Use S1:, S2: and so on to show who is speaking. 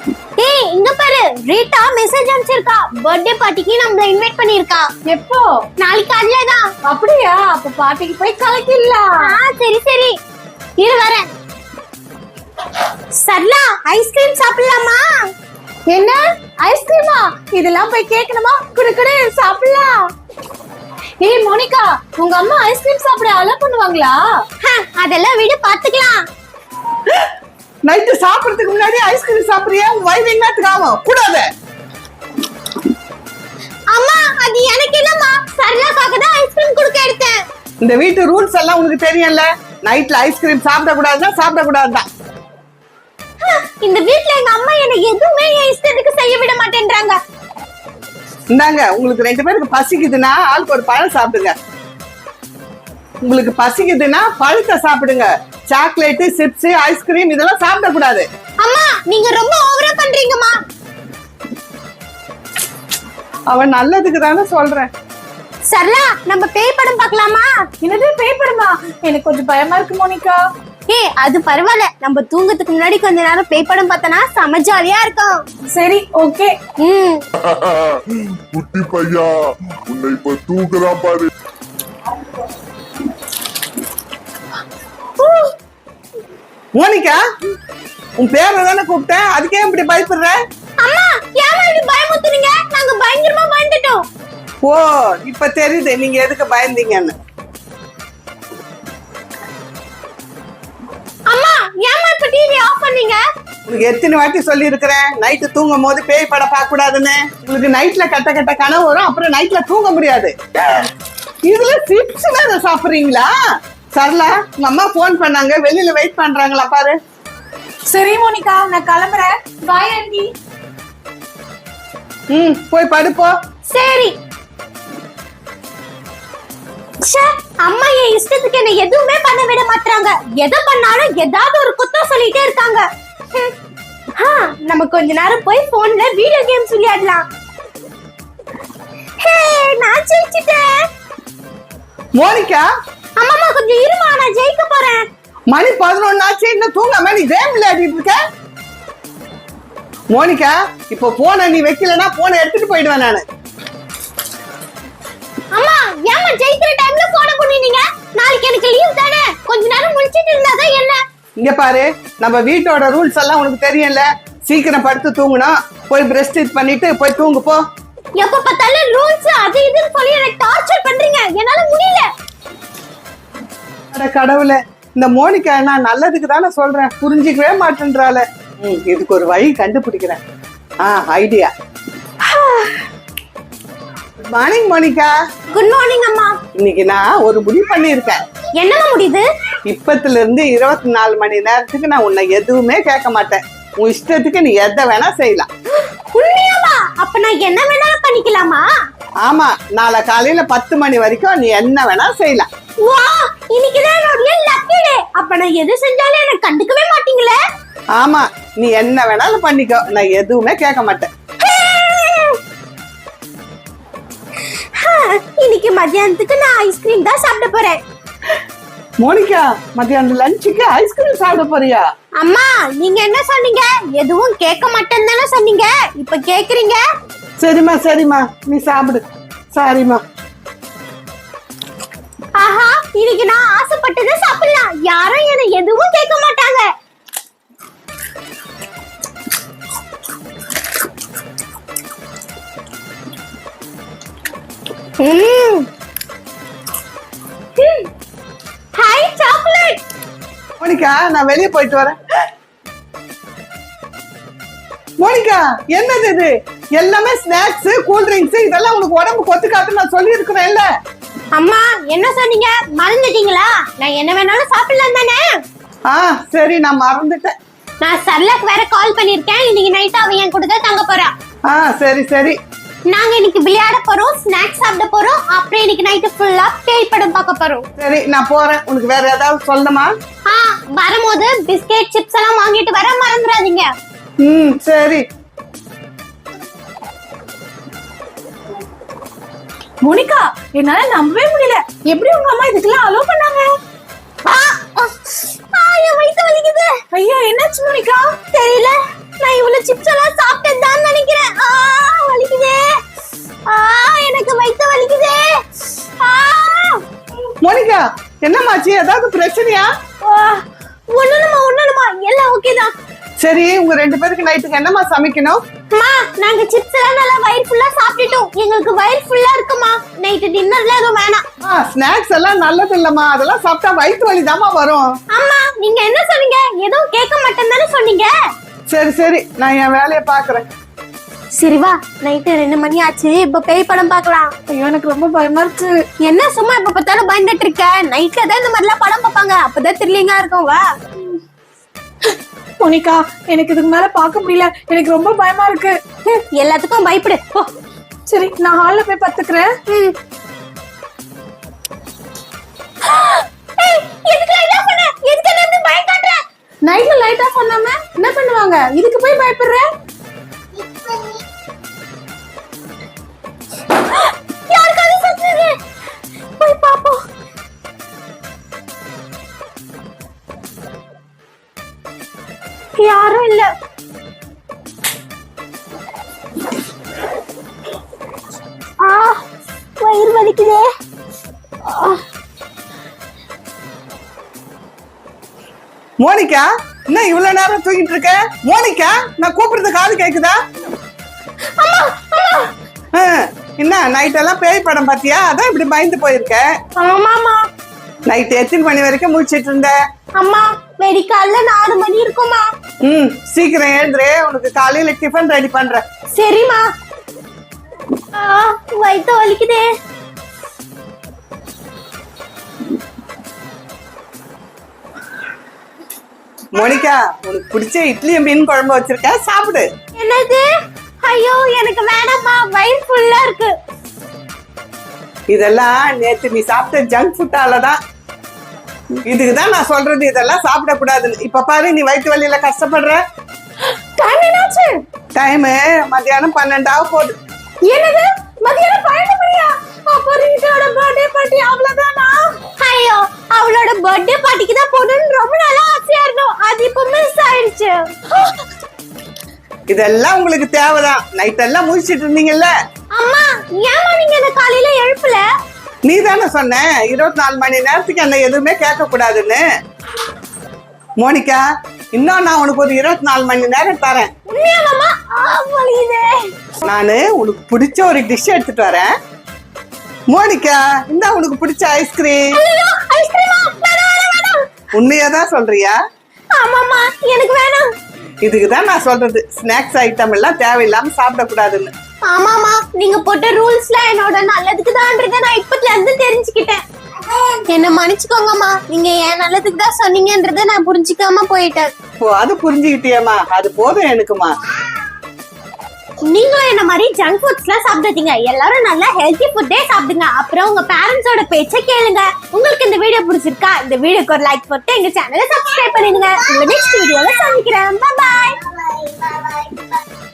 S1: ஏய் இங்க பாரு, ரீட்டா மெசேஜ் அனுப்பிச்சிருக்கா. பர்த்டே பார்ட்டிக்கு நம்மள இன்வைட் பண்ணிருக்கா.
S2: எப்போ?
S1: நாளைக்கு காலையில தான்.
S2: அப்படியா? அப்ப பார்ட்டிக்கு போய் கலக்கிடலாம்.
S1: சரி சரி, இரு வரேன். சரளா, ஐஸ்கிரீம் சாப்பிடலாமா?
S2: என்ன ஐஸ்கிரீமா? இதெல்லாம் போய் கேட்கணுமா? குடு குடு சாப்பிடலாம். ஏய் மோனிகா, உங்க அம்மா ஐஸ்கிரீம் சாப்பிட அலோ பண்ணுவாங்களா?
S1: அதெல்லாம் விடு, பாத்துக்கலாம்.
S3: நைட்டு சாப்பிடறதுக்கு முன்னாடி ஐஸ்கிரீம் சாப்பிடுறியா? உன் வயிறு என்னத்துக்கு ஆகும்? கூடாது.
S1: அம்மா, அது எனக்கு இல்லம்மா, சரளாக்காக தான் ஐஸ்கிரீம் குடுக்க எடுத்தேன்.
S3: இந்த வீட்டு ரூல்ஸ் எல்லாம் உனக்கு தெரியும்ல. நைட்ல ஐஸ்கிரீம் சாப்பிடக்கூடாதுன்னா சாப்பிடக்கூடாதுதான்.
S1: இந்த வீட்ல எங்க அம்மா எனக்கு எதுவுமே என் இஷ்டத்துக்கு செய்ய விட மாட்டேன்றாங்க.
S3: இந்தாங்க, உங்களுக்கு 2 பேருக்கு பசிக்குதுன்னா ஆளுக்கு ஒரு பழம் சாப்பிடுங்க. உங்களுக்கு பசிக்குதுன்னா பழத்தை சாப்பிடுங்க. சாக்லேட், சிப்ஸ், ஐஸ்கிரீம் இதெல்லாம் சாப்பிடக்கூடாது.
S1: அம்மா, நீங்க ரொம்ப ஓவரா பண்றீங்கம்மா.
S3: அவன் நல்லதுக்கு தானே சொல்றேன்.
S1: சரளா, நம்ம பேய் படம் பார்க்கலாமா?
S2: என்னது பேய் படமா? எனக்கு கொஞ்சம் பயமா இருக்கு மோனிகா.
S1: ஏய், அது பரவாயில்ல, நம்ம தூங்கத்துக்கு முன்னாடி கொஞ்ச நேரம் பேய் படம் பார்த்தனா செம ஜாலியா இருக்கும்.
S2: சரி ஓகே.
S4: குட்டி பையா, உன்னை இப்ப தூக்குறான் பாரு.
S3: மோனிகா, உன் பேரை தானே கூப்பிட்டேன், அதுக்கே இப்படி பயப்படுற?
S1: அம்மா, ஏமா இப்படி பயமுத்துறீங்க? நாங்க பயங்கரமா பயந்துட்டோம்.
S3: ஓ, இப்ப தெரியுது நீங்க எதுக்கு பயந்தீங்கன்னு.
S1: அம்மா, ஏமா இப்ப டிவி ஆஃப் பண்ணீங்க?
S3: உங்களுக்கு எத்தனை வாட்டி சொல்லி இருக்கிறேன், நைட்டு தூங்கும் போது பேய் படம் பார்க்க கூடாதுன்னு. உங்களுக்கு நைட்ல கட்ட கட்ட கனவு வரும், அப்புறம் நைட்ல தூங்க முடியாது. இதுல சிப்ஸ் வேற சாப்பிடுறீங்களா? சரளா, உங்க அம்மா போன் பண்ணாங்க, வெளியில வெயிட் பண்றாங்களா பாரு.
S2: சரி மோனிகா, நான் கிளம்புறேன். Bye aunty.
S3: போய் படுப்போ.
S1: சரி. அம்மா என் இஷ்டத்துக்கு என்ன எதுவுமே பண்ண விட மாட்டாங்க. எதை பண்ணாலும் ஏதாவது ஒரு குத்தம் சொல்லிட்டே இருக்காங்க. நம்ம கொஞ்ச நேரம் போய் போன்ல வீடியோ கேம்ஸ் விளையாடலாம். ஹே, நான் ஜெயிச்சிட்டேன்.
S3: மோனிகா,
S1: அம்மா கொஞ்சம் இருமா, நான் ஜெயிக்க போறேன்.
S3: மணி 11 ஆச்சு, இன்னும் தூங்காம நீ கேம் விளையாடிட்டு இருக்க. மோனிகா, இப்போ போனை நீ வைக்கலன்னா போனை எடுத்துட்டு போயிடுவேன் நானு.
S1: அம்மா, ஏமா ஜெயிக்கிற டைம்ல போன பண்ணினீங்க? நாளைக்கு எனக்கு லீவ் தானே, கொஞ்ச நேரம் முழிச்சிட்டு இருந்தாதான் என்ன?
S3: இங்க பாரு, நம்ம வீட்டோட ரூல்ஸ் எல்லாம் உனக்கு தெரியும்ல. சீக்கிரம் படுத்து தூங்கணும். போய் பிரஷ் பண்ணிட்டு போய் தூங்கு போ.
S1: எப்ப பார்த்தாலும் ரூல்ஸ் அது இதுன்னு சொல்லி எனக்கு டார்ச்சர் பண்றீங்க, என்னால முடியல.
S3: அட கடவுளே, இந்த மோனிகா நான் நல்லதுக்கு தானே சொல்றேன், புரிஞ்சிக்கவே மாட்டேன்றால. இதுக்கு ஒரு வழி கண்டுபிடிக்கிறேன். Idea. Good morning Monica.
S1: Good morning அம்மா.
S3: இன்னைக்கு நான் ஒரு முடிவு பண்ணியிருக்கேன்.
S1: என்னமா முடியுது?
S3: இப்பத்துல இருந்து 24 மணி நேரத்துக்கு நான் உன்னை எதுவுமே கேட்க மாட்டேன். உன் இஷ்டத்துக்கு நீ எதை வேணா செய்யலாம்.
S1: உண்மையாவா? அப்ப நான் என்ன வேணாலும் பண்ணிக்கலாமா?
S3: ஆமா, நாளை காலையில 10 மணி வரைக்கும் நீ என்ன வேணா செய்யலாம்.
S1: வா, இன்னைக்கு தான் என்னோட லக்கி டே. அப்ப நான் எது செஞ்சாலும் எனக்கு கண்டுக்கவே மாட்டீங்களே?
S3: ஆமா, நீ என்ன வேணாலும் பண்ணிக்கோ, நான் எதுவுமே கேட்க மாட்டேன்.
S1: இன்னைக்கு மத்தியானத்துக்கு நான் ஐஸ்கிரீம் தான் சாப்பிட போறேன்.
S3: மோனிகா, மத்தியானம் லஞ்சுக்கு ஐஸ்கிரீம் சாப்பிட போறியா?
S1: அம்மா, நீங்க என்ன சொன்னீங்க? எதுவும் கேட்க மாட்டேன்னு தானே சொன்னீங்க, இப்ப கேக்குறீங்க.
S3: சரிம்மா சரிம்மா, நீ சாப்பிடு. சாரிம்மா.
S1: ஆஹா, இன்னைக்கு நான் ஆசைப்பட்டதை சாப்பிடலாம், யாரும் என்ன எதுவும் கேட்க மாட்டாங்க. Hi chocolate.
S3: மோனிகா, நான் வெளியே போயிட்டு வரேன். மோனிகா, என்னது இது? எல்லாமே ஸ்நாக்ஸ், கூல் ட்ரிங்க்ஸ், இதெல்லாம் உனக்கு உடம்பு கொத்துக்காதுன்னு நான் சொல்லி இருக்கிறேன்ல.
S1: அம்மா, என்ன சொன்னீங்க? மறந்துட்டீங்களா? நான் என்ன வேணாலும் சாப்பிடலாம் தானே?
S3: சரி, நான் மறந்துட்டேன்.
S1: நான் சரளாக்கு வேற கால் பண்ணிருக்கேன். இன்னைக்கு நைட் அவ என் கூட தான் தங்க போறா.
S3: சரி சரி.
S1: நாங்க இன்னைக்கு விளையாட போறோம், ஸ்நாக்ஸ் சாப்பிட போறோம், அப்புறம் இன்னைக்கு நைட் ஃபுல்லா பேய் படம் பார்க்க போறோம்.
S3: சரி, நான் போறேன். உனக்கு வேற ஏதாவது சொல்லணுமா?
S1: வரும்போது பிஸ்கெட், சிப்ஸ் எல்லாம் வாங்கிட்டு வர மறந்துடாதீங்க.
S3: சரி.
S2: மோனிகா, என்னால நம்பவே முடியல. எப்படி உங்க அம்மா இதுக்கெல்லாம் அலோ பண்ணாங்க?
S1: என் வயித்து வலிக்குது.
S2: ஐயோ, என்னாச்சு மோனிகா?
S1: தெரியல, நான் இவ்வளவு அந்த சிப்ஸ் எல்லாம் சாப்பிட்டேன்னு நினைக்கிறேன். வலிக்குதே. எனக்கு வயித்து வலிக்குதே.
S3: மோனிகா என்னமாச்சு, ஏதாவது பிரச்சனையா?
S1: ஒண்ணுமா எல்லாம் ஓகே தான்.
S3: சரி, உங்க 2 பேருக்கு நைட்டுக்கு என்னமா சமைக்கணும்?
S1: அம்மா, நாங்க சிப்ஸ் எல்லாம் நல்லா வயிறு ஃபுல்லா சாப்பிட்டுட்டோம். எங்களுக்கு வயிறு ஃபுல்லா இருக்குமா. நைட்டு டின்னர்ல எதுவும் வேணாம்.
S3: ஸ்நாக்ஸ் எல்லாம் நல்லது இல்லம்மா, அதெல்லாம் சாப்பிட்டா வயிற்று வலி தாமா வரும்.
S1: அம்மா, நீங்க என்ன சொன்னீங்க? எதுவும் கேட்க மாட்டேன்னு தானே சொன்னீங்க.
S3: சரி, நான் என் வேலையை பாக்குறேன்.
S1: சரி வா, நைட்டு 2 மணி ஆச்சு. இப்ப பேய் படம் பார்க்கலாம்.
S2: ஐயோ எனக்கு ரொம்ப பயமா இருக்கு.
S1: என்ன சும்மா இப்ப பார்த்தாலும் பயந்துட்டு இருக்க? நைட்ல தான் இந்த மாதிரிலாம் படம் பார்ப்பாங்க, அப்பதான் த்ரில்லிங்கா இருக்கும். வா.
S2: மோனிகா, எனக்கு இதுக்கு மேல பார்க்க முடியல. எனக்கு ரொம்ப பயமா இருக்கு.
S1: எல்லாத்துக்கும் பயப்படு.
S2: சரி, நான் ஹால்ல போய் பத்துக்கிறேன். நைட்ல லைட் ஆஃப் பண்ணாம என்ன பண்ணுவாங்க? இதுக்கு போய் பயப்படுற?
S1: யாருக்காவது சத்துது? போய் பாப்போம். யாரும் இல்ல. வயிறு வலிக்குதே.
S3: மோனிகா, என்ன இவ்வளவு நேரம் தூங்கிட்டு இருக்க? மோனிகா, நான் கூப்பிடுறது காது கேக்குதா? என்ன நைட் எல்லாம் பேய் படம் பாத்தியா? அதான் இப்படி பயந்து போயிருக்க.
S1: ஆமாமா.
S3: நைட் எத்தனை மணி வரைக்கும் முடிச்சிட்டு இருந்த?
S1: அம்மா, வெடிக்கால 4 மணி இருக்குமா.
S3: சீக்கிரம் எழுந்துரு, உனக்கு காலையில டிஃபன் ரெடி பண்றேன்.
S1: சரிம்மா. வயித்து வலிக்குதே.
S3: மோனிகா, உனக்கு பிடிச்ச இட்லியும் மீன் குழம்பு வச்சிருக்கேன், சாப்பிடு.
S1: என்னது? ஐயோ, எனக்கு வேணாம்மா, வயிறு ஃபுல்லா இருக்கு.
S3: இதெல்லாம் நேத்து நீ சாப்பிட்ட ஜங்க் ஃபுட்டாலதான். இதுக்குதான் நான் சொல்றது, இதெல்லாம் சாப்பிடக்கூடாதுன்னு. இப்ப பாரு, நீ வயிற்று வலியில கஷ்டப்படுற.
S2: டைம் என்னாச்சு?
S3: டைம் மத்தியானம் 12 போகுது.
S2: என்னது? மதியானம் 12 மணியா? அப்ப ரீட்டாவோட பர்த்டே பார்ட்டி அவ்வளவுதானா?
S1: ஐயோ, அவளோட பர்த்டே பார்ட்டிக்கு தான் போகணும்னு ரொம்ப நாளா ஆசையா இருந்தோம். அது இப்ப மிஸ் ஆயிடுச்சு.
S3: இதெல்லாம் உங்களுக்கு தேவைதான். நைட் எல்லாம் முடிச்சிட்டு இருந்தீங்கல்ல.
S1: அம்மா, ஏமா நீங்க என்ன காலையில எழுப்பல?
S3: நீ தானே சொன்ன 24 மணி நேரத்துக்கு என்ன எதுவுமே கேட்க கூடாதுன்னு. மோனிகா, இன்னும் நான் உனக்கு ஒரு 24 மணி நேரம் தரேன்.
S1: உண்மையாவாமா? வலிக்குதே.
S3: நானு உனக்கு பிடிச்ச ஒரு டிஷ் எடுத்துட்டு வரேன். மோனிகா, இந்த உனக்கு பிடிச்ச ஐஸ்கிரீம்.
S1: ஐயோ, ஐஸ்கிரீமா? வேணாம்.
S3: உண்மையாதான் சொல்றியா?
S1: ஆமாமா, எனக்கு வேணாம்.
S3: இதுக்குதான் நான் சொல்றது, ஸ்நாக்ஸ் ஐட்டம் எல்லாம் தேவையில்லாம சாப்பிடக்கூடாதுன்னு.
S1: ஆமாமா, நீங்க போட்ட ரூல்ஸ்ல என்னோட நல்லதுக்கு தான்றத நான் இப்பத்துல இருந்து தெரிஞ்சுக்கிட்டேன். என்ன மன்னிச்சுக்கோங்கம்மா, நீங்க என் நல்லதுக்கு தான் சொன்னீங்கன்றத நான் புரிஞ்சுக்காம போயிட்டேன்.
S3: ஓ, அது புரிஞ்சுக்கிட்டியம்மா, அது போதும் எனக்குமா.
S1: நீங்களும் என்ன மாதிரி ஜங்க் ஃபுட்ஸ் எல்லாம் சாப்பிடாதீங்க. எல்லாரும் நல்லா ஹெல்த்தி ஃபுட்டே சாப்பிடுங்க. அப்புறம் உங்க பேரண்ட்ஸோட பேச்சை கேளுங்க. உங்களுக்கு இந்த வீடியோ பிடிச்சிருக்கா? இந்த வீடியோக்கு ஒரு லைக் போட்டு எங்க சேனலை சப்ஸ்கிரைப் பண்ணிடுங்க. உங்க நெக்ஸ்ட் வீடியோல சந்திக்கிறேன். பை பாய்.